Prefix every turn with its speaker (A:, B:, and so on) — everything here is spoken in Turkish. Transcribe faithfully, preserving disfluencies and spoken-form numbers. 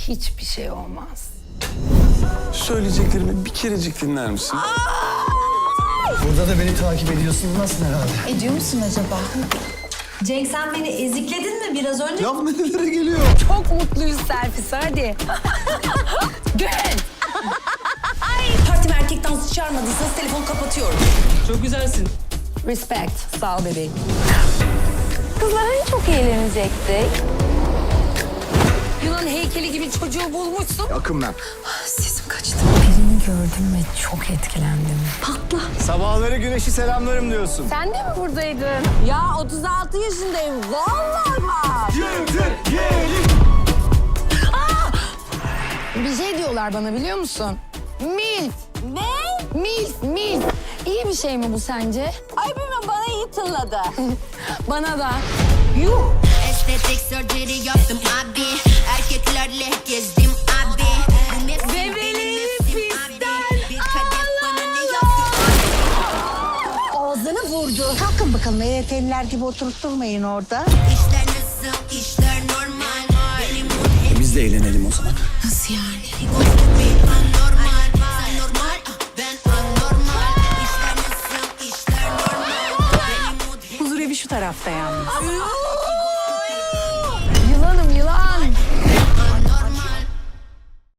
A: hiçbir şey olmaz.
B: Söyleyeceklerimi bir kerecik dinler misin?
C: Burada da beni takip ediyorsun. Nasıl herhalde?
D: Ediyor musun acaba? Cenk sen beni ezikledin mi biraz önce?
C: Laf nerelere geliyor?
A: Çok mutluyuz selfie'si hadi. Gel.
D: Partime erkek dansı çağırmadıysanız telefonu kapatıyorum.
E: Çok güzelsin.
A: Respect. Sağ ol bebeğim.
F: Kızlar hani çok eğlenecektik.
A: Yunan heykeli gibi çocuğu bulmuşsun.
C: Akın ben.
D: Sesim kaçtı.
A: Birini gördüm ve çok etkilendim.
C: Sabahları güneşi selamlarım diyorsun.
A: Sen de mi buradaydın? Ya otuz altı yaşındayım. Vallahi bak. Bir şey diyorlar bana biliyor musun? Milf. Ne? Milf, milf. İyi bir şey mi bu sence? Ay bilmem bana iyi tınladı. Bana da. Yuh.
G: Estetik surgery yaptım abi. Erkeklerle gezdim abi. Bu mevsim benim mevsim abi. Bir kadeh bana ne yaptı abi?
A: Ağzını vurdu.
H: Kalkın bakalım E Y T'liler gibi oturup durmayın orada.
G: İşler nasıl? İşler normal. Benim mood
C: Biz de eğlenelim o zaman.
D: Nasıl yani?
G: anormal. Sen normal, ben anormal. İşler nasıl? İşler normal. Benim mood
D: Huzur evi şu tarafta yalnız.